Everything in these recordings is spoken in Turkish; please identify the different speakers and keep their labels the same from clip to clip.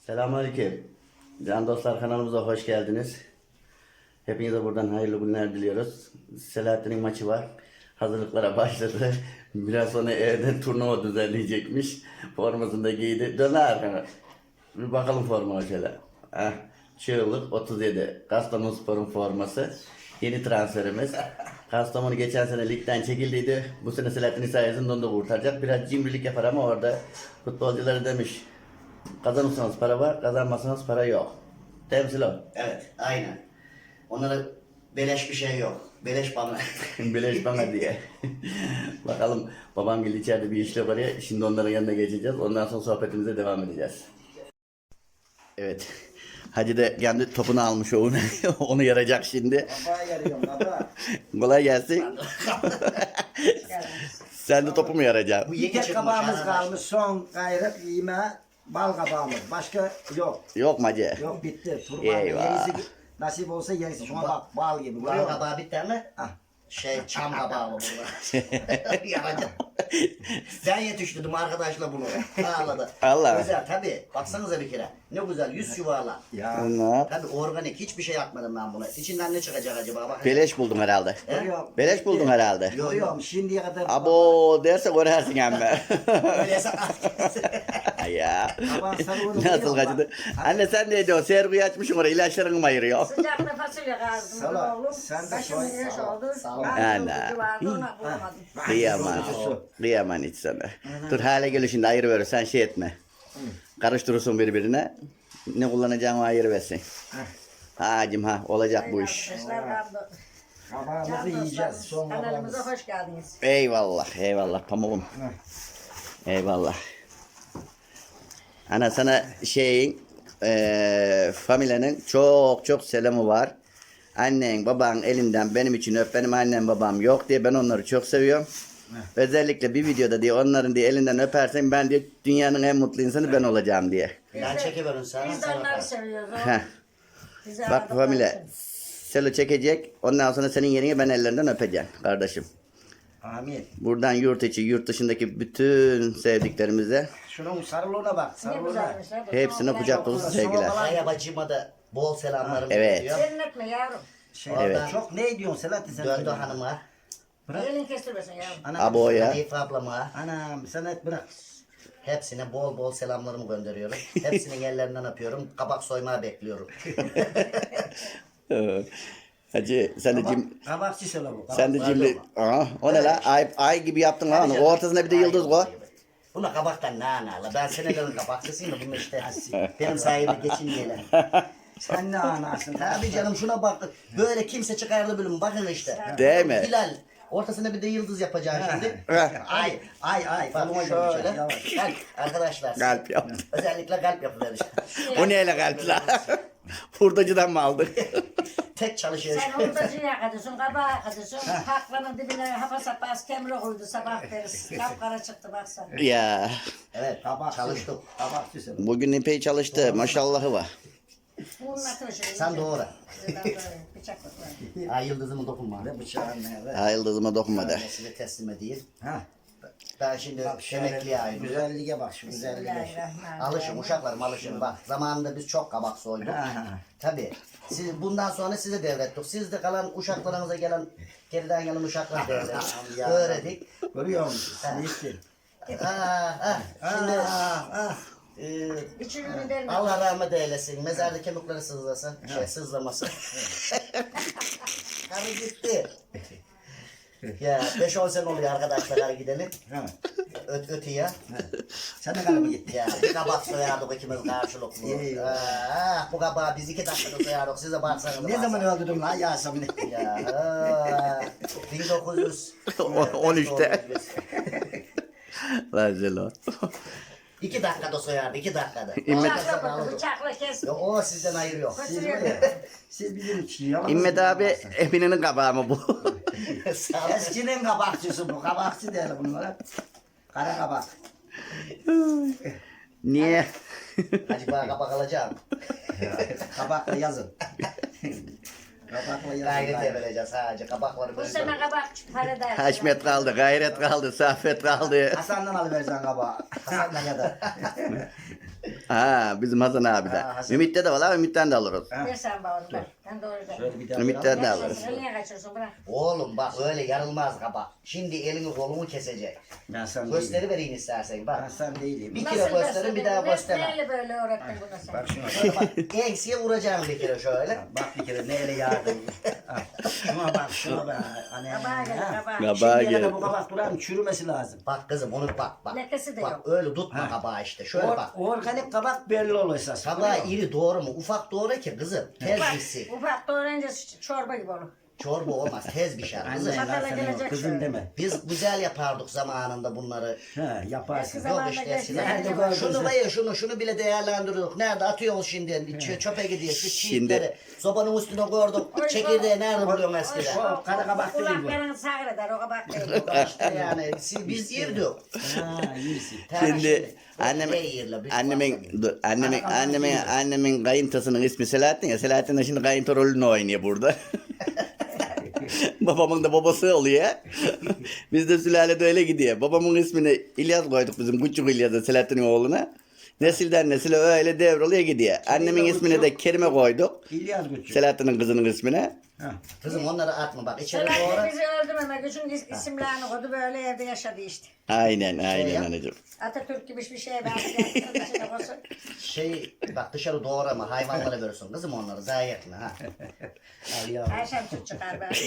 Speaker 1: Selamünaleyküm. Can dostlar, kanalımıza hoş geldiniz. Hepinize buradan hayırlı günler diliyoruz. Selahattin'in maçı var. Hazırlıklara başladı. Biraz sonra evde turnuva düzenleyecekmiş. Formasını da giydi. Dön arkana. Bir bakalım forma şöyle. Çığlık 37. Kastamonuspor'un forması. Yeni transferimiz. Kastamonu geçen sene ligden çekildiydi. Bu sene Selahattin sayesinde onu da kurtaracak. Biraz cimrilik yapar ama orada futbolcuları demiş. Kazanırsanız para var, kazanmazsanız para yok. Temsil o.
Speaker 2: Evet, aynen. Onlara beleş bir şey yok. Beleş bana.
Speaker 1: Bileş bana diye. Bakalım, babam geldi içeride bir işle var ya. Şimdi onların yanına geçeceğiz. Ondan sonra sohbetimize devam edeceğiz. Evet. Hacı da kendi topunu almış onu. Onu yarayacak şimdi.
Speaker 2: Kafa yarıyorum baba.
Speaker 1: Kolay gelsin. Sen de topu mu yarayacaksın?
Speaker 2: Bu
Speaker 3: Bir
Speaker 2: yeni
Speaker 3: tek
Speaker 2: çıkmış
Speaker 3: kabağımız
Speaker 2: arkadaş.
Speaker 3: kalmış, son gayret yeme bal kabağımız. Başka yok.
Speaker 1: Yok mu hacı?
Speaker 3: Yok bitti. Turban
Speaker 1: Eyvah.
Speaker 3: yenisi nasip olsa yenisi. Şuna bak bal gibi.
Speaker 2: Bal
Speaker 3: Görüyor musun?
Speaker 2: kabağı bitti mi?
Speaker 3: Ah.
Speaker 2: Çam kabağı mı bunlar? Yaracağım. Sen yetiştirdin arkadaşla bunu. Ağladı.
Speaker 1: Allah.
Speaker 2: Güzel tabii. Baksanıza bir kere. Ne güzel yüz yuvarla.
Speaker 3: Ya.
Speaker 1: Onlar.
Speaker 2: Tabii organik hiçbir şey yapmadım ben buna. İçinden ne çıkacak acaba? Bak.
Speaker 1: Beleş buldum herhalde.
Speaker 3: Görüyor musun?
Speaker 1: Beleş buldum herhalde.
Speaker 2: Yok.
Speaker 3: Yok şimdiye kadar.
Speaker 1: Abo derse görersin emme.
Speaker 2: Öyleyse
Speaker 1: Ya.
Speaker 3: Kabağın sarı onu
Speaker 1: Nasıl
Speaker 3: biliyor
Speaker 1: kaçtı?
Speaker 3: musun?
Speaker 1: Anne sen ne diyorsun? Serguyu açmışsın oraya, ilaçlarını mı ayırıyor?
Speaker 4: Sıcakta fasulye kazdım.
Speaker 3: Sala,
Speaker 4: Oğlum.
Speaker 3: sen de
Speaker 4: Başım
Speaker 3: soy,
Speaker 4: güneş
Speaker 3: sala,
Speaker 4: oldu.
Speaker 2: sala.
Speaker 4: Ben
Speaker 1: Ana.
Speaker 4: çok vardı ona bulamadım.
Speaker 1: Kıyaman. Kıyaman hiç sana. Dur hale gel şimdi ayır ver, sen şey etme. Karıştırırsın birbirine. Ne kullanacağını ayır versin. Hacım ha olacak bu iş.
Speaker 4: Arkadaşlar kaldı.
Speaker 3: Kabağımızı
Speaker 4: Can
Speaker 3: yiyeceğiz.
Speaker 4: dostlarımız,
Speaker 3: Son
Speaker 4: kanalımıza
Speaker 3: kabağımız.
Speaker 4: hoş geldiniz.
Speaker 1: Eyvallah eyvallah pamuğum. Eyvallah. Ana sana şeyin familyanın çok çok selamı var. Annen baban elinden benim için öp, benim annem babam yok diye, ben onları çok seviyorum. Özellikle bir videoda diye onların diye elinden öpersen ben diye dünyanın en mutlu insanı ben olacağım diye.
Speaker 2: Ben çekiverim sana.
Speaker 4: Biz de
Speaker 2: sen
Speaker 4: onları
Speaker 2: yaparsın.
Speaker 4: seviyoruz.
Speaker 1: Heh.
Speaker 4: Bizi
Speaker 1: Bak
Speaker 4: aradıkları
Speaker 1: familya,
Speaker 4: için.
Speaker 1: Selo çekecek, ondan sonra senin yerine ben ellerinden öpeceğim kardeşim.
Speaker 3: Amin.
Speaker 1: Buradan yurt içi yurt dışındaki bütün sevdiklerimize
Speaker 3: Şunun sarılığına bak.
Speaker 4: Ne
Speaker 3: Sarılığına.
Speaker 4: güzelmiş. ha, bu
Speaker 1: hepsine
Speaker 4: soğuklar
Speaker 1: kucak
Speaker 4: yok.
Speaker 1: dolusu sevgiler.
Speaker 2: Aya bacıma da bol selamlarımı
Speaker 1: Evet.
Speaker 2: veriyor.
Speaker 4: Senin etme yavrum.
Speaker 3: Şey,
Speaker 1: Evet.
Speaker 3: Çok ne diyorsun Selahattin sen?
Speaker 2: Döndü hanıma.
Speaker 4: Elin kestirmesin yavrum.
Speaker 3: Ana,
Speaker 1: Aboya.
Speaker 2: Hanife ablama.
Speaker 3: Anam sen et bırak.
Speaker 2: Hepsine bol bol selamlarımı gönderiyorum. Hepsinin ellerinden öpüyorum. Kabak soymaya bekliyorum.
Speaker 1: Hacı sen de cim,
Speaker 3: Kabakçı söyle bu.
Speaker 1: sen de cimri. Aha, o ne la? Ay gibi yaptın lan. O ortasına bir de yıldız koy.
Speaker 2: Buna kabaktan ne anala? Ben senelerin kabakçısıyım da bunu işte. Benim sayemde geçinmeyeler.
Speaker 3: Sen ne anasın?
Speaker 2: Tabii canım şuna bak. Böyle kimse çıkardı bölüm. Bakın işte.
Speaker 1: Değil mi?
Speaker 2: Hilal. Ortasına bir de yıldız yapacağım şimdi.
Speaker 3: Ay ay.
Speaker 2: Bak
Speaker 3: Koluma
Speaker 2: şöyle.
Speaker 3: şöyle. Yavaş.
Speaker 2: Kalp arkadaşlar.
Speaker 1: Kalp yaptı.
Speaker 2: Özellikle kalp yapıver işte.
Speaker 1: O neyle kalp la? Hurdacıdan mı aldın?
Speaker 2: Tek çalışıyor.
Speaker 4: Sen hurdacıyı yakadıyorsun, kabağı yakadıyorsun. Haklanın dibine hapa sapaz kemre koydu sabah deriz. Kapkara çıktı baksana.
Speaker 1: Ya
Speaker 2: Evet.
Speaker 3: Kabakçı.
Speaker 2: Çalıştık.
Speaker 3: Kabakçı söyle.
Speaker 1: bugün epey çalıştı. Maşallahı var.
Speaker 4: Bunun atını şöyle.
Speaker 2: Sen doğru.
Speaker 4: Bıçakla koy.
Speaker 2: Ay yıldızımı dokunma.
Speaker 3: Ve bıçağın ne?
Speaker 1: Ha yıldızıma dokunma de.
Speaker 2: Size teslim edeyim.
Speaker 3: Ha.
Speaker 2: Ben şimdi
Speaker 3: Bak şöyle
Speaker 2: emekliye ayrılıyorum.
Speaker 3: güzelliğe bak şu güzelliğe.
Speaker 4: Bismillahirrahmanirrahim.
Speaker 2: Alışın uşaklarım alışın. Bak zamanında biz çok kabak soyduk.
Speaker 3: Ha.
Speaker 2: Tabii. Siz, bundan sonra size devrettik. Siz de kalan uşaklarınıza gelen geriden gelen uşaklar devrettik. Öğrettik.
Speaker 3: Görüyor musun? Neyse.
Speaker 2: Şimdi
Speaker 4: İçini verme.
Speaker 2: Allah rahmet eylesin. Mezarda kemikleri sızlasın. Sızlamasın. Karı gitti. Ya 5-10 sene oluyor arkadaşlar karı gidelim.
Speaker 3: Ha.
Speaker 2: Ötüye.
Speaker 3: Sen de kalbi gitti.
Speaker 2: Ya bir kabak soyardık ikimiz karşılıklı.
Speaker 3: İyi.
Speaker 2: Bu kabağı biz 2 dakikada soyardık. Size baksanız.
Speaker 3: Ne zaman öldürdün lan Yasemin'i?
Speaker 2: Ya 1900.
Speaker 1: 13'te. Lan Zelo.
Speaker 2: 2 dakikada soyardı 2 dakikada.
Speaker 4: Bıçakla koydu, bıçakla kes.
Speaker 2: Yok o sizden ayrı yok.
Speaker 4: Kaçırıyor.
Speaker 3: Siz bizim için yalan.
Speaker 1: İmmet abi Epine'nin kabağı mı bu?
Speaker 2: Sağ ol.
Speaker 3: Eskinin kabakçısı bu. Kabakçı değil bunlara. Kara kabak.
Speaker 1: Niye?
Speaker 2: Hacı bana kabak alacağım.
Speaker 3: Kabakla yazın. Kabakla yazın.
Speaker 2: Gayret vereceğiz sadece kabakları
Speaker 4: Bu
Speaker 2: böyle.
Speaker 4: sene kabak para der.
Speaker 1: Haşmet kaldı, gayret kaldı, Saffet kaldı.
Speaker 3: Hasan'dan alıvereceksin kabağı. Hasan'dan kadar.
Speaker 1: Ha bizim Hasan abi de.
Speaker 3: Ha, Hasan.
Speaker 1: Ümit'te de var abi, Ümit'ten de alırız.
Speaker 4: Ver sen bana onu ver. Ben doğru da.
Speaker 3: Şöyle bir daha.
Speaker 1: Ümit'ten de
Speaker 4: Ver
Speaker 1: alırız.
Speaker 4: sen, niye kaçıyorsun bırak.
Speaker 2: Oğlum bak öyle yarılmaz kabak. Şimdi elini kolunu kesecek.
Speaker 3: Ben sen
Speaker 2: Gösteri
Speaker 3: değilim.
Speaker 2: vereyim istersen
Speaker 3: Ben
Speaker 2: bak.
Speaker 3: sen değilim.
Speaker 2: Bir kere gösterin bir daha gösterme.
Speaker 4: Neyle böyle öğrettin bunu sen?
Speaker 3: Bak şuna.
Speaker 2: Şöyle bak enseye vuracaksın bir kere şöyle.
Speaker 3: Bak bir kere neyle yardım. Ha, şuna bak şuna bak. Anne.
Speaker 4: Kabağa gel
Speaker 3: ha.
Speaker 4: kabağa.
Speaker 1: Kabağa
Speaker 3: Şimdiye
Speaker 1: gel.
Speaker 3: kadar bu kabak duran çürümesi lazım.
Speaker 2: Bak kızım onu bak.
Speaker 4: Lekesi de
Speaker 2: Bak
Speaker 4: yok.
Speaker 2: öyle tutma
Speaker 3: Ha.
Speaker 2: kabağı işte. Şöyle bak.
Speaker 3: Organik kabak belli olur esas.
Speaker 2: Kabağı iri doğru mu? Ufak doğru ki kızım. Tez
Speaker 4: Ufak,
Speaker 2: bitsin.
Speaker 4: ufak doğrayınca çorba gibi olur.
Speaker 2: Çorba olmaz. Tez pişer
Speaker 3: Anne
Speaker 2: kızım.
Speaker 3: lan
Speaker 4: Çatala
Speaker 3: sen
Speaker 4: gelecek
Speaker 3: yok, kızım
Speaker 4: şöyle.
Speaker 3: deme.
Speaker 2: Biz güzel yapardık zamanında bunları.
Speaker 3: Ha yaparsın.
Speaker 4: Eski
Speaker 2: Yok
Speaker 4: zamanda
Speaker 2: işte
Speaker 4: geçti.
Speaker 2: eskiden.
Speaker 3: Nerede
Speaker 4: Nerede
Speaker 3: gördün?
Speaker 2: Şunu var ya şunu bile değerlendiriyorduk. Nerede atıyoruz şimdi? Çöpe gidiyor. Şu
Speaker 1: Şimdi-
Speaker 2: çiğitleri. Sobanın üstüne koyduk.
Speaker 4: Oy,
Speaker 2: Çekirdeği nerede buluyorsun eskiden?
Speaker 3: O kara kabak değil bu.
Speaker 4: Kulaklarını sağır eder o kabak değil.
Speaker 2: İşte yani biz yirdik.
Speaker 3: Ha iyisin.
Speaker 1: Şimdi annemin kayıntasının ismi Selahattin ya. Selahattin de şimdi kayınto rolünü oynuyor burada. Babamın da babası oluyor. Biz de sülalede öyle gidiyor. Babamın ismini İlyas koyduk bizim küçük İlyas'a, Selahattin'in oğluna. Nesilden nesile öyle devroluyor gidiyor. Annemin ismini de Kerime koyduk.
Speaker 3: İlyas Güçlü.
Speaker 1: Selahattin'in kızının ismine.
Speaker 3: Ha.
Speaker 2: Kızım onları atma bak içeri doğru.
Speaker 4: Selahattin bizi öldürmemek için isimlerini koydu böyle evde yaşadı işte.
Speaker 1: Aynen
Speaker 2: yap.
Speaker 1: anacığım.
Speaker 4: Atatürk gibi bir şey ben içine koysun.
Speaker 2: Bak dışarı doğrama hayvanlara verirsin kızım onları zayi etme ha. Al yavrum.
Speaker 4: Ayşem süt çıkar ben.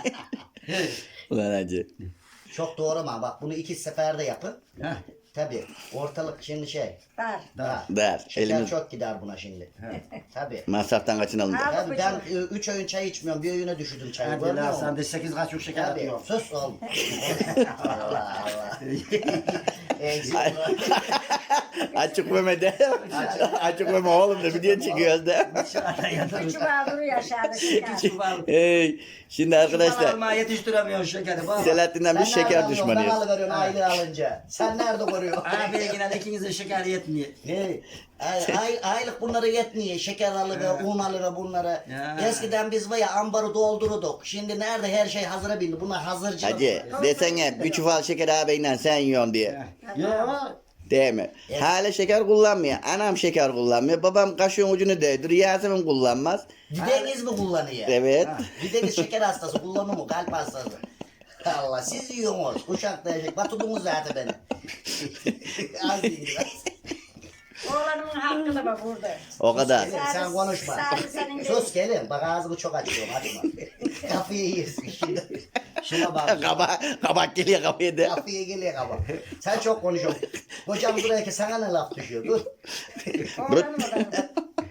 Speaker 1: Ulan hacı.
Speaker 2: Çok doğrama bak bunu 2 seferde yapın.
Speaker 3: Ha.
Speaker 2: Tabi ortalık şimdi
Speaker 4: Dar.
Speaker 2: Ha.
Speaker 1: Der.
Speaker 2: Şeker
Speaker 1: Elimiz
Speaker 2: çok gider buna şimdi. Tabi.
Speaker 1: masraftan kaçınalım.
Speaker 4: Al.
Speaker 2: Tabii ben 3 öğün çay içmiyorum. Bir öğüne düşürdüm çayı.
Speaker 3: Hadi
Speaker 2: Görmüyor
Speaker 3: lan
Speaker 2: musun?
Speaker 3: sen de 8 kaçuk şeker
Speaker 2: Tabii.
Speaker 3: atıyor.
Speaker 2: Sus oğlum. Allah Allah. Eksik.
Speaker 1: Açık Mehmet'e. Açık Mehmet oğlum da video çekiyoruz da.
Speaker 4: Üçü var duruyor aşağıda şeker.
Speaker 1: Hey, şimdi arkadaşlar
Speaker 3: Almaya yetiştiremiyorsun şekeri. Bak.
Speaker 1: Selahattin'den bir
Speaker 2: Sen nereden
Speaker 1: şeker
Speaker 2: alıyorsun? Ben
Speaker 1: düşmanıyız.
Speaker 2: alıveriyorum aylığı alınca. Sen nerede koruyorsun?
Speaker 3: Abi yine de ikinizin şeker yetmiyor.
Speaker 2: Hey, aylık bunlara yetmiyor. Şeker alıver, un alıver bunlara.
Speaker 3: Ya.
Speaker 2: Eskiden biz var ya ambarı doldururduk. Şimdi nerede her şey hazıra bindi. Bunlar hazırcılık.
Speaker 1: Hacı desene bir çuval şeker ağabeyle sen yiyorsun diye.
Speaker 3: Ya
Speaker 1: Değil mi? Hala şeker kullanmıyor. Anam şeker kullanmıyor. Babam kaşığın ucunu değdiriyor. Yasemin kullanmaz.
Speaker 2: Dideniz mi kullanıyor?
Speaker 1: Evet.
Speaker 2: Dideniz şeker hastası kullanıyor mu? Kalp hastası. Allah siz yiyorsunuz. Uşak diyecek. Batudunuz zaten beni. Az değil biraz.
Speaker 4: Oğlanımın hakkı da bak burada.
Speaker 1: O kadar.
Speaker 2: Sen konuşma.
Speaker 4: Sadece senin
Speaker 2: Sus gelin. Bak ağzımı çok açıyorum. Açma. Kafayı yiyorsun şimdi. Şuna bak.
Speaker 1: Kabak geliyor kapıya da.
Speaker 2: Kafaya geliyor kaba. Sen çok konuşuyorsun. Hocam buraya ki sana ne laf düşüyor? Dur.
Speaker 4: Oğlanım da.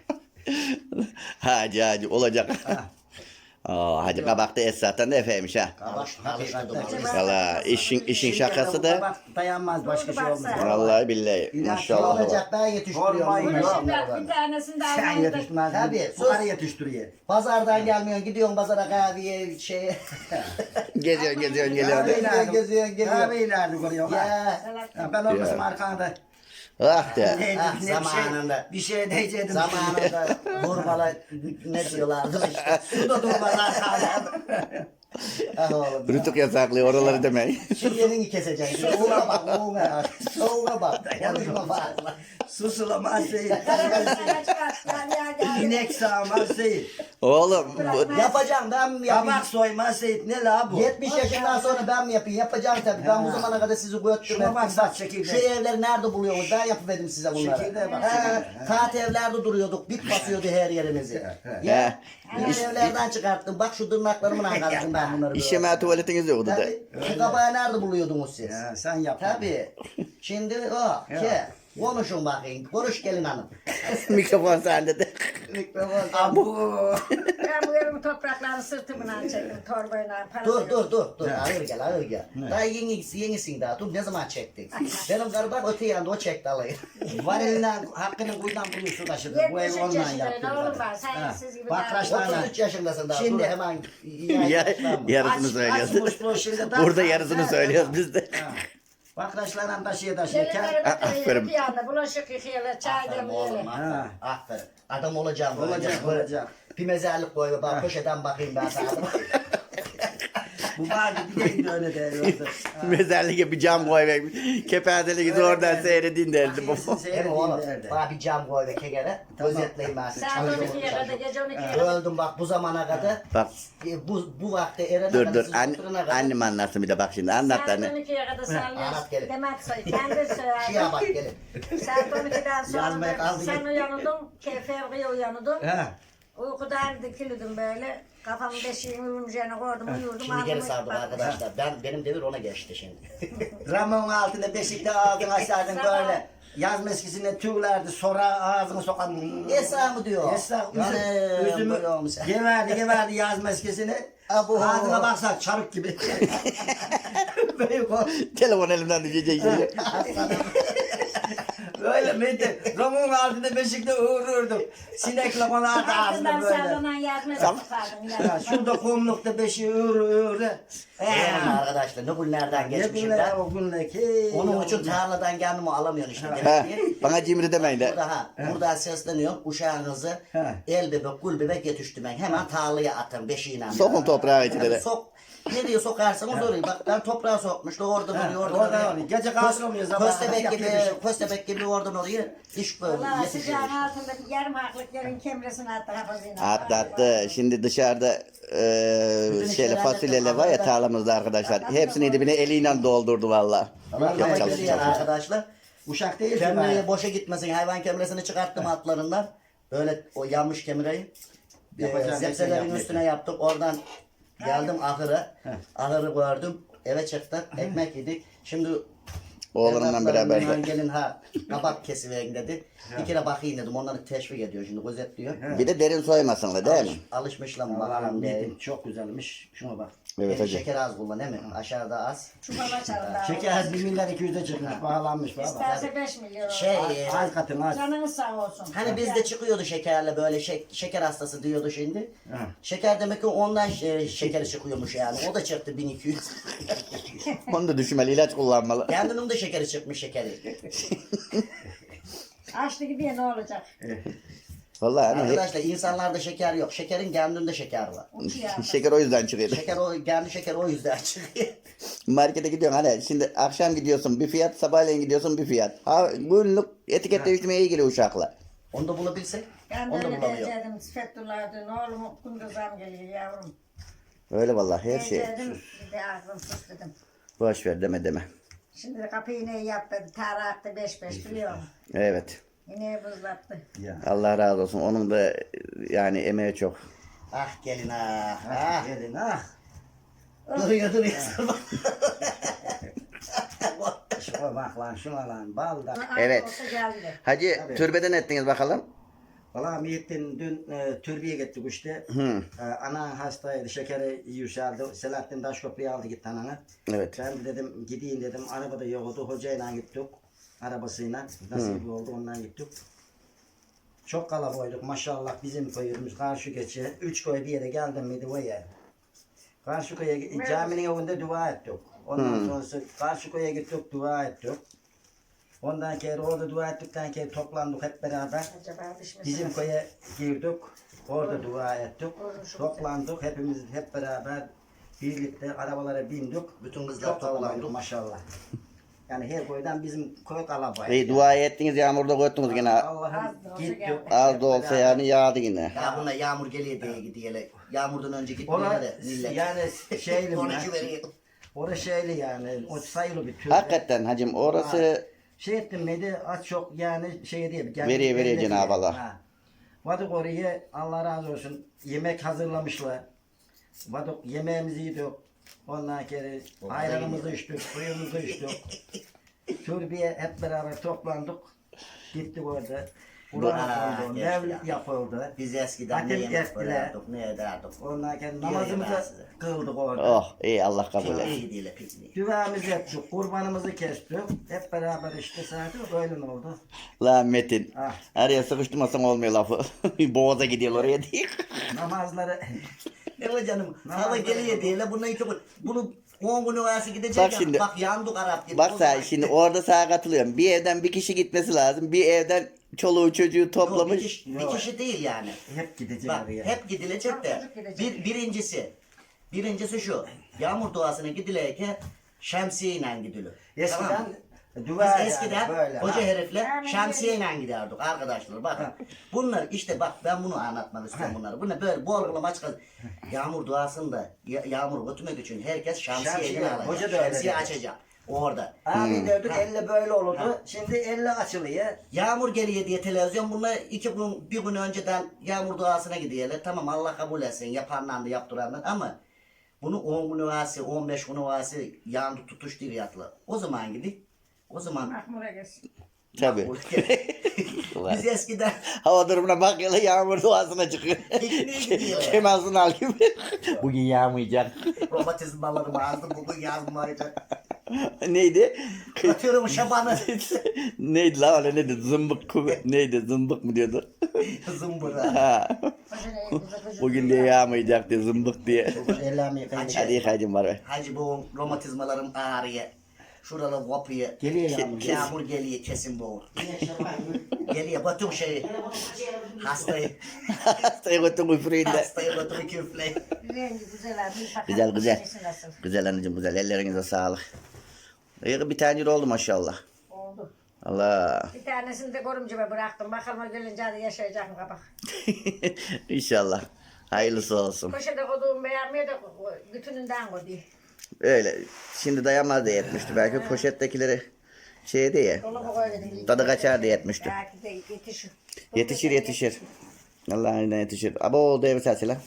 Speaker 1: Hacı olacak. Hacı kabakta Esat'tan da Efe'ymiş ha.
Speaker 2: Kabak alıştırdım.
Speaker 1: Valla işin şakası da.
Speaker 3: Bak dayanmaz başka şey olmaz.
Speaker 1: Vallahi billahi.
Speaker 2: Ne
Speaker 1: Maşallah.
Speaker 2: olacak ben yetiştiriyorum.
Speaker 3: Hormon
Speaker 4: Bunu
Speaker 3: yok.
Speaker 4: şimdi bir tanesini de
Speaker 3: Sen
Speaker 4: almamızda.
Speaker 3: yetiştirmez.
Speaker 2: Tabii,
Speaker 3: Bu
Speaker 2: sus.
Speaker 3: karı yetiştiriyor.
Speaker 2: Pazardan gelmiyorsun gidiyorsun pazara kahveye şeye.
Speaker 1: Geziyorsun
Speaker 2: Kahve
Speaker 1: geliyorsun.
Speaker 2: nerede? Geziyorsun, geliyorsun.
Speaker 3: Kahveyi nerede koruyor?
Speaker 2: Ya.
Speaker 3: Ya ben olmasam arkanda.
Speaker 1: Ah de.
Speaker 2: Zamanında.
Speaker 3: Bir şey diyecektim.
Speaker 2: Zamanında vurmalı ne diyorlardı işte. Su da durmaz arkada. Ah oğlum.
Speaker 1: Rütük yasaklıyor oraları demeyin.
Speaker 2: Şimdi elini keseceksin. Soğuğa bak, soğuğa. Soğuğa bak. Konuşma fazla.
Speaker 3: Susulamaz değil.
Speaker 4: Sana çıkart. Gel.
Speaker 3: İnek sağmaz değil.
Speaker 1: Oğlum
Speaker 2: Yapacağım ben mi yapayım?
Speaker 3: Kabak soymaz değil. Ne la bu?
Speaker 2: 70 yaşından sonra ben mi yapayım? Yapacağım tabii. Ben bu zamana kadar sizi götürdüm.
Speaker 3: Şuna bak bak çekirdeği.
Speaker 2: Şu evleri nerede buluyorsunuz? Ben yapıverdim size bunları.
Speaker 3: Çekirdeğe bak,
Speaker 2: He,
Speaker 3: çekirdeğe.
Speaker 2: taht evlerde duruyorduk. Bit basıyordu her yerimizi.
Speaker 1: He.
Speaker 2: Ya. Bir evlerden çıkarttım. Bak şu tırnaklarımla kattım ben bunları.
Speaker 1: işeme tuvaletiniz yoktu da.
Speaker 2: Tabii. Şu kabağı nerede buluyordunuz siz?
Speaker 3: Ya, sen yap.
Speaker 2: Tabii. Şimdi o. Ke. Konuşun bakayım. Konuş gelin hanım.
Speaker 1: Mikrofon sende de.
Speaker 2: Mikrofon.
Speaker 3: Abu.
Speaker 4: Ben bu evin topraklarını sırtımdan çektim. Torbayla.
Speaker 2: Dur. Ağır gel. Daha yenisin daha. Dur ne zaman çektin? Benim karı bak öte yanda o çekti alayı.
Speaker 3: Var elinden hakkının kuyudan buluyor su taşıdı. Bu ev
Speaker 4: 73
Speaker 3: ondan
Speaker 4: yaşındayım.
Speaker 3: yaptı.
Speaker 4: Oğlum var. Sen siz gibi
Speaker 3: Bak
Speaker 4: daha-
Speaker 3: kaçlarına.
Speaker 2: 33 yaşındasın daha.
Speaker 3: Şimdi-
Speaker 2: Dur hemen.
Speaker 1: Yarısını söylüyorsun.
Speaker 3: Açmış şimdi.
Speaker 1: Burada yarısını söylüyoruz biz de.
Speaker 3: Bakraçlarla taşıya
Speaker 4: Gelinleri
Speaker 3: taşıya.
Speaker 4: götürüyor.
Speaker 1: Aferin.
Speaker 4: Bir yanda bulaşık yıkıyorlar. Çay
Speaker 2: Aferin oğlum.
Speaker 4: demliyorlar.
Speaker 3: Ha.
Speaker 2: Aferin. Adam olacağım.
Speaker 3: Olacak, olacak.
Speaker 2: Bir mezarlık koy. Bak köşeden bakayım ben sana.
Speaker 3: Bu vardı bir de öyle değerli.
Speaker 1: Mezarlığa bir cam koy ve kepazeliğinizi oradan seyredin derdi bu.
Speaker 2: Hem oğlum bana bir cam koy ve kekere. Gözetleyeyim ben sizi.
Speaker 4: Saat
Speaker 2: Çalışıyorum,
Speaker 4: 12'ye kadar,
Speaker 2: çalışıyorum.
Speaker 4: gece 12'ye kadar.
Speaker 2: Öldüm bak bu zamana kadar.
Speaker 1: Bak
Speaker 2: Bu vakte erene
Speaker 1: dur
Speaker 2: kadar
Speaker 1: dur
Speaker 2: siz oturana kadar.
Speaker 1: annem anlatsın bir de bak şimdi anlat
Speaker 4: Saat
Speaker 1: anne.
Speaker 4: 12'ye kadar
Speaker 2: anlat
Speaker 4: sallıyoruz.
Speaker 2: gelin.
Speaker 4: Demet soy. Kendi
Speaker 2: Şuraya bak
Speaker 4: söylerdi.
Speaker 2: gelin.
Speaker 4: Saat 12'den sonra
Speaker 2: Yazmaya kaldı
Speaker 4: sen
Speaker 2: gel.
Speaker 4: uyanırdın. Fevriye uyanırdım.
Speaker 3: Ha.
Speaker 4: Uykudan dikilirdim böyle. Kafamı beşiğimi uyumcağına koydum, uyurdum.
Speaker 2: Şimdi geri
Speaker 4: ağzımı
Speaker 2: sardım
Speaker 4: kapattım.
Speaker 2: arkadaşlar. Benim devir ona geçti şimdi.
Speaker 3: Ramon altında beşikte ağzını açardın böyle. Yaz meskisine tüylerdi sonra ağzını sokan.
Speaker 2: Esra mı diyor?
Speaker 3: Esra
Speaker 2: Yani
Speaker 3: üzümü
Speaker 2: böyle olmuş.
Speaker 3: geverdi yaz meskisini.
Speaker 2: Abo.
Speaker 3: Ağzına baksak çarık gibi. Büyük o.
Speaker 1: Telefon elimden düşecek şimdi.
Speaker 3: Böyle miydi? Ramon altında beşikte uğururdum. Sinekle bana ağzına
Speaker 4: Altından
Speaker 3: böyle.
Speaker 4: sallanan yazmaya tutardım.
Speaker 3: Ya şurada kumlukta beşi uğur.
Speaker 2: Eyvallah arkadaşlar ne günlerden
Speaker 3: Ne
Speaker 2: geçmişim
Speaker 3: günler
Speaker 2: ben.
Speaker 3: o günleki.
Speaker 2: Onun için tarladan kendimi alamıyorsun işte.
Speaker 1: Ha,
Speaker 2: Demek ki
Speaker 1: bana cimri demeyin de.
Speaker 2: buradan sesleniyorum. Uşağınızı
Speaker 3: Ha.
Speaker 2: el bebek, gül bebek yetişti ben. Hemen tarlaya atın beşiğine.
Speaker 1: Sokun toprağı içine de.
Speaker 2: Sok. Nereye sokarsanız orayı. Bak ben toprağa sokmuş. Oradan oraya, oradan
Speaker 3: oradan
Speaker 2: oraya.
Speaker 3: oraya. Gece kalkamıyoruz ama
Speaker 2: Köstebek gibi,
Speaker 3: yapıyor bir şey.
Speaker 2: köstebek gibi oradan oraya iş böyle
Speaker 4: Valla
Speaker 2: yetişiyor.
Speaker 4: sıcağın altında yarım haklık yerin kemresini attı hafızına.
Speaker 1: Atlattı. Şimdi dışarıda şeyle fasulyeler var ya tarlamızda arkadaşlar. Hepsini dibine eliyle doldurdu valla.
Speaker 2: Allah
Speaker 3: Yapacak
Speaker 2: rahmet
Speaker 3: bir şey
Speaker 2: eylesin
Speaker 3: yok.
Speaker 2: arkadaşlar.
Speaker 3: Uşak değil ki
Speaker 2: Kemreyi
Speaker 3: ben.
Speaker 2: boşa gitmesin. Hayvan kemresini çıkarttım atlarından. Böyle o yanmış kemreyi.
Speaker 3: Yapacağım bir şey
Speaker 2: Zepselerin
Speaker 3: yapmayın.
Speaker 2: üstüne yaptık. Oradan geldim ahıra. Ahırı gördüm. Eve çıktık. Ekmek yedik. Şimdi
Speaker 1: Oğlumla
Speaker 2: evlatlarım
Speaker 1: beraber.
Speaker 2: hemen gelin ha kabak kesiverin dedi. Bir kere bakayım dedim. Onları teşvik ediyor şimdi gözetliyor.
Speaker 1: Bir de derin soymasınlar değil mi?
Speaker 2: Alışmışlar mı
Speaker 3: Allah'ım
Speaker 2: bakalım diye.
Speaker 3: yedim çok güzelmiş. Şuna bak.
Speaker 1: Evet hacı.
Speaker 2: Şeker az kullan değil mi? Aşağıda az.
Speaker 4: Çuvala çarında.
Speaker 3: Şeker 1 milyar 200'e çıkmış. Bağlanmış baba.
Speaker 4: İsterse 5 milyon.
Speaker 2: Şey
Speaker 3: Az katın az.
Speaker 4: Canınız sağ olsun.
Speaker 2: hani bizde çıkıyordu şekerle böyle şeker hastası diyordu şimdi.
Speaker 3: Ha.
Speaker 2: Şeker demek ki ondan şekeri çıkıyormuş yani. O da çıktı 1200.
Speaker 1: Onu da düşünmeli ilaç kullanmalı.
Speaker 2: Kendinin de şekeri çıkmış şekeri.
Speaker 4: Açtı gidiyor ne olacak?
Speaker 1: Vallahi hani
Speaker 2: Arkadaşlar insanlarda şeker yok. Şekerin kendinde şeker var.
Speaker 4: Uçuyor.
Speaker 1: şeker o yüzden çıkıyor.
Speaker 2: Şeker o kendi şeker o yüzden çıkıyor.
Speaker 1: Markete gidiyorsun hani şimdi akşam gidiyorsun bir fiyat sabahleyin gidiyorsun bir fiyat. Ha günlük etiket değiştirmeye ilgili uşaklar.
Speaker 2: Onu da bulabilsek.
Speaker 4: Ben de
Speaker 2: Onu da
Speaker 4: öyle
Speaker 2: bulamıyor.
Speaker 4: diyecektim. Fethullah'a dün oğlum kunduzam geliyor yavrum.
Speaker 1: Öyle vallahi her şey.
Speaker 4: Diyecektim, bir de aklım sus dedim.
Speaker 1: Boş ver deme.
Speaker 4: Şimdi de kapıyı ne yaptı? Tara attı 5-5 biliyor musun?
Speaker 1: Evet.
Speaker 4: Yine buzlattı.
Speaker 3: Ya.
Speaker 1: Allah razı olsun. Onun da yani emeği çok.
Speaker 2: Ah gelin ah. Ah.
Speaker 3: Gelin ha.
Speaker 2: Duruyor.
Speaker 3: Şuna bak lan şuna lan. Bal da.
Speaker 1: Evet.
Speaker 4: Olsa geldi.
Speaker 1: Hacı türbeden ettiniz bakalım.
Speaker 3: Valla Muhittin dün türbeye gittik işte.
Speaker 1: Hı.
Speaker 3: Ana hastaydı, şekeri yükseldi. Selahattin Taşköprü'ye aldı gitti ananı.
Speaker 1: Evet.
Speaker 3: Ben de dedim gideyim dedim. Arabada yoktu. Hocayla gittik. Arabasıyla. Nasip oldu ondan gittik. Çok kalabalık maşallah bizim köyümüz karşı geçe. 3 köy bir yere geldim miydi o yer. Karşı köye caminin önünde dua ettik. Ondan sonrası karşı köye gittik dua ettik. Ondan sonra orada dua ettikten sonra toplandık hep beraber.
Speaker 4: Acaba düşmesin.
Speaker 3: Bizim köye girdik. Orada dua ettik. Toplandık. Hepimiz hep beraber birlikte arabalara bindik.
Speaker 2: Bütün kızlar
Speaker 3: Çok kalabalık
Speaker 2: toplandı.
Speaker 3: maşallah. Yani her köyden bizim köy kalabalık.
Speaker 1: İyi dua ettiniz yağmurda koydunuz gene.
Speaker 3: Allah'ım
Speaker 4: Az da olsa
Speaker 3: gittik.
Speaker 4: geldi.
Speaker 1: Az da olsa yani yağdı yine.
Speaker 2: Ya buna yağmur geliyor diye gidiyor. Yağmurdan önce
Speaker 3: Ona
Speaker 2: gitmiyor de millet.
Speaker 3: yani şeyli
Speaker 2: Konuşu veriyor.
Speaker 3: orası şeyli yani o sayılı bir tür.
Speaker 1: Hakikaten hacım orası
Speaker 3: Şey ettim neydi az çok yani şey diye.
Speaker 1: Veriyor Cenab-ı Allah.
Speaker 3: Ha. Vadık oraya Allah razı olsun yemek hazırlamışlar. Vadık yemeğimizi yedik. Ondan sonra ayranımızı içtik, suyumuzu içtik. Türbeye hep beraber toplandık. Gittik orada. Kur'an
Speaker 2: Aa,
Speaker 3: okundu,
Speaker 2: geçti
Speaker 3: mevlid
Speaker 2: ya.
Speaker 3: yapıldı.
Speaker 2: Biz eskiden ne
Speaker 3: Hatim
Speaker 2: yemek
Speaker 3: ettiler.
Speaker 2: bölerdik, ne ederdik.
Speaker 3: Ondan sonra
Speaker 2: Diyor
Speaker 3: namazımızı
Speaker 2: ya ben size.
Speaker 3: kıldık orada.
Speaker 1: oh iyi Allah kabul etsin.
Speaker 2: Pikniğe gidiyorlar pikniğe.
Speaker 3: Duamızı ettik, kurbanımızı kestik. Hep beraber işte zaten böyle oldu.
Speaker 1: Lan Metin.
Speaker 3: Ah.
Speaker 1: Araya sıkıştırmasan olmuyor lafı. Boğaza gidiyor oraya diye.
Speaker 3: Namazları
Speaker 2: Ne var canım?
Speaker 3: Ne
Speaker 2: Hava
Speaker 3: var
Speaker 2: geliyor
Speaker 3: canım?
Speaker 2: diye. Bunu iki bunu 10 gün arası gidecek
Speaker 1: Bak
Speaker 2: ya.
Speaker 1: şimdi-
Speaker 2: Bak yandık Arap gibi.
Speaker 1: Bak
Speaker 2: O
Speaker 1: sen
Speaker 2: zaman-
Speaker 1: şimdi orada sağa katılıyorum. Bir evden bir kişi gitmesi lazım. Bir evden çoluğu çocuğu
Speaker 2: Yok,
Speaker 1: toplamış.
Speaker 2: bir kişi değil yani.
Speaker 3: hep gideceğiz
Speaker 2: Bak
Speaker 3: oraya.
Speaker 2: hep gidilecek de.
Speaker 4: Çocuk gidecek.
Speaker 2: Birincisi. Birincisi şu. Yağmur duasına gidileyken şemsiyeyle gidilir.
Speaker 3: Eskiden
Speaker 2: Tamam mı?
Speaker 3: dua
Speaker 2: Biz eskiden
Speaker 3: böyle,
Speaker 2: hoca
Speaker 3: ha.
Speaker 2: herifle
Speaker 4: Amin.
Speaker 2: şemsiyeyle giderdik arkadaşlar. Bakın. Bunlar işte bak ben bunu anlatmak istiyorum bunları. Bunlar böyle bol bol maç yağmur duasında yağmur götürmek için herkes şemsiyeyle
Speaker 3: Şemsiye,
Speaker 2: alacak.
Speaker 3: hoca da öyle
Speaker 2: Şemsiye
Speaker 3: dedi.
Speaker 2: açacak. Orada.
Speaker 3: Abi derdik elle böyle olurdu. Şimdi elle açılıyor.
Speaker 2: Yağmur geliyor diye televizyon bunlar bir gün önceden yağmur duasına gidiyorlar. Tamam Allah kabul etsin yapanlar da yaptıranlar ama bunu 10 gün ovası 15 gün ovası yağmur tutuş diye yatlı. O zaman gibi o zaman
Speaker 4: Mahmur'a gelsin.
Speaker 1: Tabii.
Speaker 2: biz eskiden
Speaker 1: Hava durumuna bak ya yağmur duasına çıkıyor.
Speaker 2: pikniğe gidiyor.
Speaker 1: Kemal Sunal gibi. Bugün yağmayacak.
Speaker 2: Romatizmalarım ağzı bugün yazmayacak.
Speaker 1: Neydi?
Speaker 2: Atıyorum şabanı.
Speaker 1: Neydi la öyle neydi? Zımbık neydi? Zımbık mı diyordu?
Speaker 2: Zımbıra.
Speaker 1: Ha.
Speaker 4: Hoca ne?
Speaker 1: Bugün diye yağmayacak diye zımbık diye.
Speaker 3: Ellerimi yıkayın.
Speaker 1: Hadi yıkaycım var be.
Speaker 2: Hacı bu romatizmalarım ağrıyor. Şuralar kopuyor.
Speaker 3: Geliyor yağmur.
Speaker 2: Yağmur geliyor kesin boğur. Geliyor batım şeyi. Hastayı.
Speaker 1: Hastayı götün üfüreyim de.
Speaker 2: Hastayı batım küfleyi.
Speaker 4: Rengi güzel abi. Bakalım
Speaker 1: Güzel güzel.
Speaker 4: içmesi nasıl?
Speaker 1: Güzel anneciğim güzel. Ellerinize sağlık. İyi bir tane oldu maşallah.
Speaker 4: Oldu.
Speaker 1: Allah.
Speaker 4: Bir tanesini de görümceme bıraktım. Bakalım o gelince hadi yaşayacak mı kabak.
Speaker 1: İnşallah. Hayırlısı olsun.
Speaker 4: Köşede koduğum beğenmiyor da bütününden koydu.
Speaker 1: Öyle. Şimdi dayanmaz diye etmişti. Belki poşettekileri şey diye.
Speaker 4: Dolaba koydum.
Speaker 1: Tadı kaçar diye etmişti.
Speaker 4: Belki de yetişir.
Speaker 1: Yetişir yetişir. Allah'ın yetişir. Abo oldu evi sesile.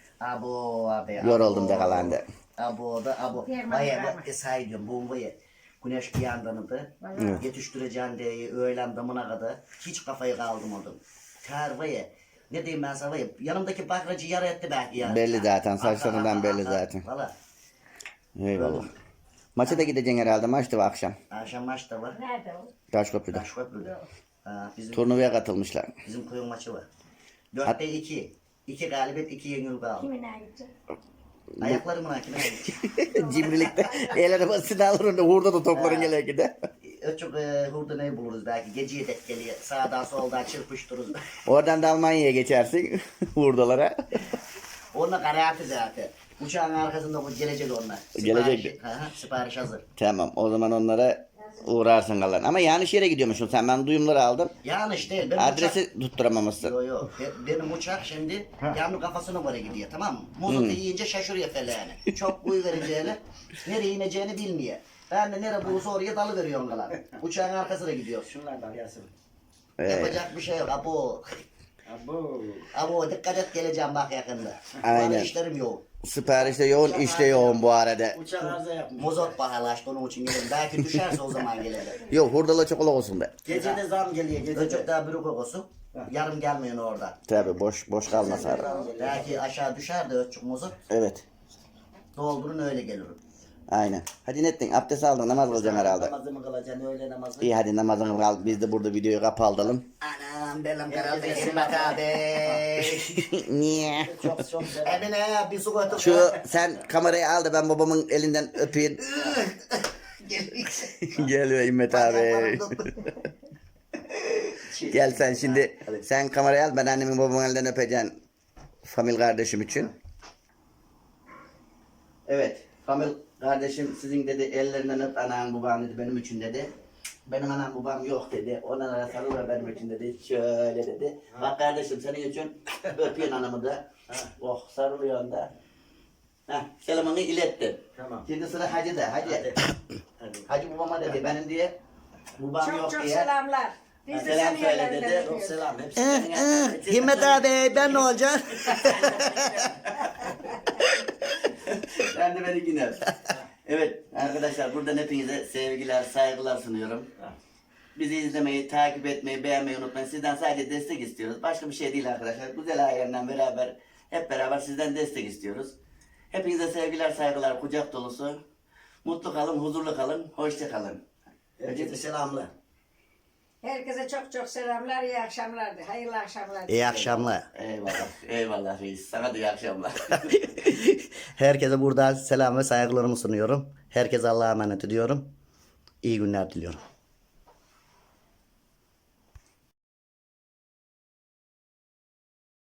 Speaker 2: Abo abi.
Speaker 1: Yoruldum da kalan da.
Speaker 2: Abo da abo.
Speaker 4: Yerman
Speaker 2: Vay
Speaker 4: verme.
Speaker 2: bak say diyorum bombayı. Güneş bir yandan da yetiştireceğin diye öğlen damına kadar hiç kafayı kaldırmadım. Ter vay ne diyeyim ben sana vay yanımdaki bakracı yara etti belki ya.
Speaker 1: Belli zaten, saçlarından belli zaten.
Speaker 2: Valla
Speaker 1: Eyvallah. Maça da gideceksin herhalde. Maçtı bu akşam.
Speaker 2: akşam maç da var.
Speaker 4: Nerede o?
Speaker 1: Taşköprü'de.
Speaker 2: Taşköprü'de. Ha, bizim
Speaker 1: Katılmışlar.
Speaker 2: köyün maçı var. 4'te 2. 2 galibiyet 2 yenil kaldı.
Speaker 4: Kimine gitti?
Speaker 2: Ayaklarımın hakine
Speaker 1: Cimrilikte el arabasını alır onu hurda da topların gele gide.
Speaker 2: Öçük hurda ne buluruz belki geceye dek geliyor. Sağdan soldan çırpıştırırız.
Speaker 1: Oradan da Almanya'ya geçersin hurdalara.
Speaker 2: Onunla garanti zaten. Uçağın arkasında bu gelecek onlar.
Speaker 1: Gelecek.
Speaker 2: Sipariş hazır.
Speaker 1: Tamam o zaman onlara uğrarsın kalan. Ama yanlış yere gidiyormuşsun sen. Ben duyumları aldım.
Speaker 2: Yanlış değil. Benim
Speaker 1: Adresi tutturamamışsın.
Speaker 2: Yok yok. Benim uçak şimdi yağmur kafasına göre gidiyor tamam mı? Mozotu yiyince şaşırıyor feleğini. Çok uyu vereceğini, nereye ineceğini bilmiyor. Ben de nere bulursa oraya dalı veriyorum kalan. Uçağın arkasına gidiyor.
Speaker 3: Şunlardan gelsin.
Speaker 2: Yapacak bir şey yok. Abo.
Speaker 3: Abo.
Speaker 2: Abo dikkat et geleceğim bak yakında.
Speaker 1: Aynen.
Speaker 2: Bana işlerim yok.
Speaker 1: Siparişte yoğun, işte yoğun bu arada.
Speaker 3: Uçak arıza yapmış.
Speaker 2: Mozot pahalaştı onun için gelirim. Belki düşerse o zaman gelirim.
Speaker 1: Yok hurdala çikolata olsun be.
Speaker 3: Gece de zam geliyor. Gece
Speaker 2: Öcük
Speaker 3: de.
Speaker 2: daha büyük kokusu. Yarım gelmiyor orada.
Speaker 1: Tabi boş kalmaz abi.
Speaker 2: Belki aşağı düşer de ölçük mozot.
Speaker 1: Evet.
Speaker 2: Doldurun öyle gelirim.
Speaker 1: Aynen. Hadi nettin abdest aldın namaz kılacaksın herhalde.
Speaker 3: Namazımı kılacaksın öğle namazı.
Speaker 1: İyi hadi namazını kal. Biz de burada videoyu kapatalım.
Speaker 2: Anam benim karaldı İsmet abi.
Speaker 1: Niye?
Speaker 3: Çok selam.
Speaker 2: Emine bir su götür.
Speaker 1: Şu sen kamerayı al da ben babamın elinden öpeyim. Gel be İmmet abi. Gel sen şimdi. Sen kamerayı al ben annemin babamın elinden öpeceğim. Famil kardeşim için. Evet. Famil kardeşim sizin dedi ellerinden öp anam babam dedi benim için dedi. Benim anam babam yok dedi. Onlara sarıl ve benim için dedi. Şöyle dedi. Bak kardeşim senin için öpüyorsun anamı da. Oh sarılıyorsun da. Heh, selamını ilettim.
Speaker 3: Tamam.
Speaker 1: Şimdi sıra Hacı da. Hacı.
Speaker 3: Hadi.
Speaker 1: Hacı babama dedi benim diye. Babam
Speaker 4: Çok
Speaker 1: yok
Speaker 4: çok
Speaker 1: diye.
Speaker 4: selamlar. Biz de
Speaker 1: Selam
Speaker 4: seni
Speaker 1: söyle
Speaker 4: yerlerinden
Speaker 1: dedi.
Speaker 3: Çok
Speaker 4: öpüyoruz.
Speaker 3: selam. Hepsi.
Speaker 2: Himmet abi ben ne olacağım?
Speaker 1: Ben de beni yine. Evet arkadaşlar buradan hepinize sevgiler, saygılar sunuyorum. Bizi izlemeyi, takip etmeyi, beğenmeyi unutmayın. Sizden sadece destek istiyoruz. Başka bir şey değil arkadaşlar. Güzel ailemden beraber, hep beraber sizden destek istiyoruz. Hepinize sevgiler, saygılar, kucak dolusu. Mutlu kalın, huzurlu kalın, hoşça kalın.
Speaker 2: Herkese selamlar.
Speaker 4: Herkese çok çok selamlar, iyi akşamlar. Hayırlı akşamlar.
Speaker 2: İyi akşamlar.
Speaker 1: Eyvallah, eyvallah reis. Sana da iyi akşamlar.
Speaker 2: Herkese buradan selam ve saygılarımı sunuyorum. Herkese Allah'a emanet ediyorum. İyi günler diliyorum.